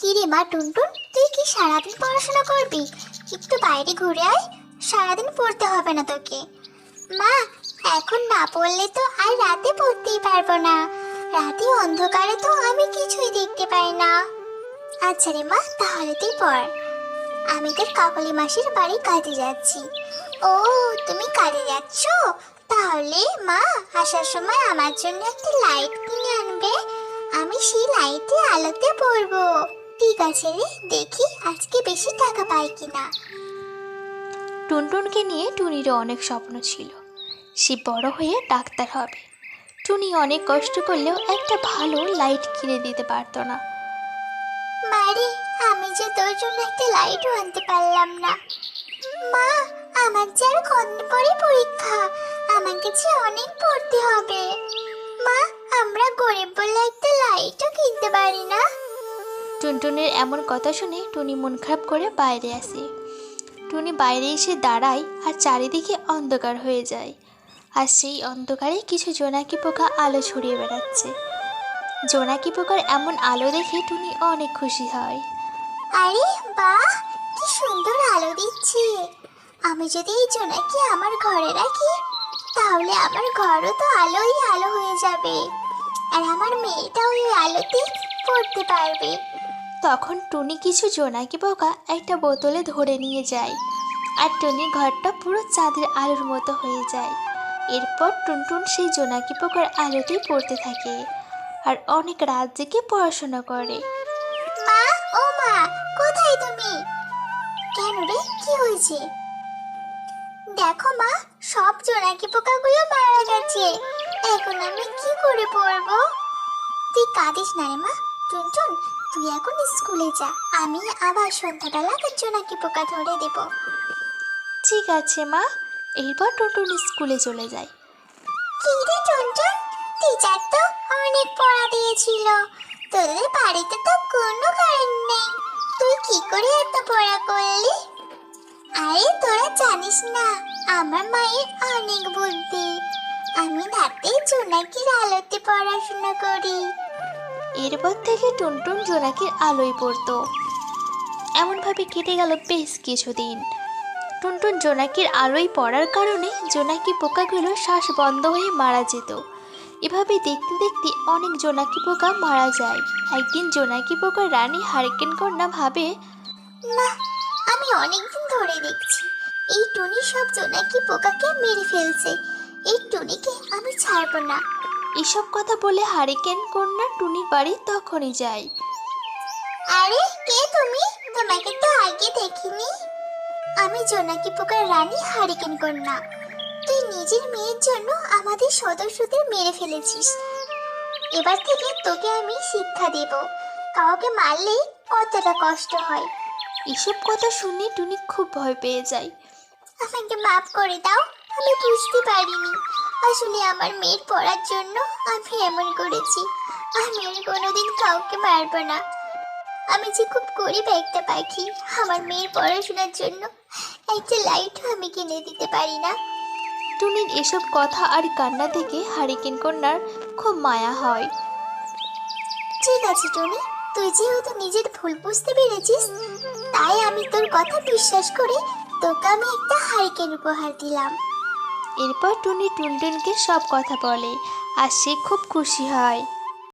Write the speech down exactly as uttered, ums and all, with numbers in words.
কিরে মা টুনটুন, তুই কি সারাদিন পড়াশোনা করবি? একটু বাইরে ঘুরে আয়, সারাদিন পড়তে হবে না তোকে। মা, এখন না পড়লে তো আর রাতে পড়তেই পারবো না। রাতে অন্ধকারে তো আমি কিছুই দেখতে পাই না। আচ্ছা রে মা, তাহলে তুই পড়। আমি তোর কাকলি মাসির বাড়ি কাজে যাচ্ছি। ও, তুমি কাজে যাচ্ছ? তাহলে মা আসার সময় আমার জন্য একটা লাইট কিনে আনবে। আমি সেই লাইটে আলোতে পড়বো। ঠিক আছে রে, দেখি আজকে বেশি টাকা পাই কিনা। টুনটুনকে নিয়ে টুনিরও অনেক স্বপ্ন ছিল, সে বড় হয়ে ডাক্তার হবে। টুনি অনেক কষ্ট করলেও একটা ভালো লাইট কিনে দিতে পারতো না। মারে, আমি যে তোর জন্য একটা লাইটও আনতে পারলাম না। মা, আমার যে আর কদিন পরে পরীক্ষা, আমাকে যে অনেক পড়তে হবে। মা, আমরা গরিব বলে একটা লাইটও কিনতে পারি না। টুনটুনের এমন কথা শুনে টুনি মন খারাপ করে বাইরে আসে। টুনি বাইরে এসে দাঁড়ায় আর চারিদিকে অন্ধকার হয়ে যায়। আর সেই অন্ধকারে কিছু জোনাকি পোকা আলো ছড়িয়ে বেড়াচ্ছে। জোনাকি পোকার এমন আলো দেখে টুনি অনেক খুশি হয়। আরে বাহ, কি সুন্দর আলো দিচ্ছে। আমি যদি এই জোনাকি আমার ঘরে রাখি, তাহলে আমার ঘরও তো আলোই আলো হয়ে যাবে, আর আমার মেয়েটাও ওই আলোতে পড়তে পারবে। তখন টুনি কিছু জোনাকি পোকা একটা বোতলে ধরে নিয়ে যায়, আর টুনির ঘরটা পুরো চাঁদের আলোর মতো হয়ে যায়। এরপর টুনটুন সেই জোনাকি পোকার আলোতেই পড়তে থাকে আর অনেক রাত জেগে পড়াশোনা করে। মা, ও মা, কোথায় তুমি? কেন রে, কি হয়েছে? দেখো মা, সব জোনাকি পোকাগুলো মারা গেছে। এখন আমি কি করে পড়বো? তুই কাঁদিস না রে মা। টুনটুন, তুই এখন স্কুলে যা, আমি আবার সন্ধ্যাবেলা জোনাকি পোকা ধরে দেব। ঠিক আছে মা। এরপর টুনটুন স্কুলে চলে যায়। কি রে টুনটুন, টিচার তো অনেক পড়া দিয়েছিল, তোদের বাড়িতে তো কোনো কারেন্ট নেই, তুই কি করে এত পড়া করলি? আরে তোরা জানিস না, আমার মায়ের অনেক বুদ্ধি। আমি রাতে জোনাকির আলোতে পড়াশোনা করি। এরপর থেকে টুনটুন জোনাকির আলোয় পড়তো। এমনভাবে কেটে গেল বেশ কিছুদিন। টুনটুন জোনাকির আলোয় পড়ার কারণে জোনাকি পোকাগুলো শ্বাস বন্ধ হয়ে মারা যেত। এভাবে দেখতে দেখতে অনেক জোনাকি পোকা মারা যায়। একদিন জোনাকি পোকার রানী হারিকেন কন্যা ভাবে, না, আমি অনেকদিন ধরে দেখছি এই টুনি সব জোনাকি পোকাকে মেরে ফেলছে। এই টুনিকে আমি ছাড়বো না। এসব কথা বলে হারিকেন কন্যা টুনির বাড়ি তখনই যায়। আরে কে তুমি? তোমাকে তো আগে দেখিনি। আমি জোনাকি পোকার রানী হারিকেন কন্যা। তুই নিজের মেয়ের জন্য আমাদের সদস্যদের মেরে ফেলেছিস। এবার থেকে তোকে আমি শিক্ষা দেব, কাউকে মারলে কতটা কষ্ট হয়। এসব কথা শুনে টুনি খুব ভয় পেয়ে যায়। আমাকে মাফ করে দাও, আমি বুঝতে পারিনি। আসলে আমার মেয়ের পড়ার জন্য আমি এমন করেছি। আমি আর কোনোদিন কাউকে মারবো না। আমি যে খুব গরিব একটা পাখি, আমার মেয়ের পড়াশোনার জন্য একটা লাইটও আমি কিনে দিতে পারি না। টুনির এসব কথা আর কান্না থেকে হারিকেন কন্যার খুব মায়া হয়। ঠিক আছে টনি, তুই যেহেতু নিজের ভুল বুঝতে পেরেছিস, তাই আমি তোর কথা বিশ্বাস করে তোকে আমি একটা হারিকেন উপহার দিলাম। এরপর টুনি টুনটুনকে সব কথা বলে আর সে খুব খুশি হয়।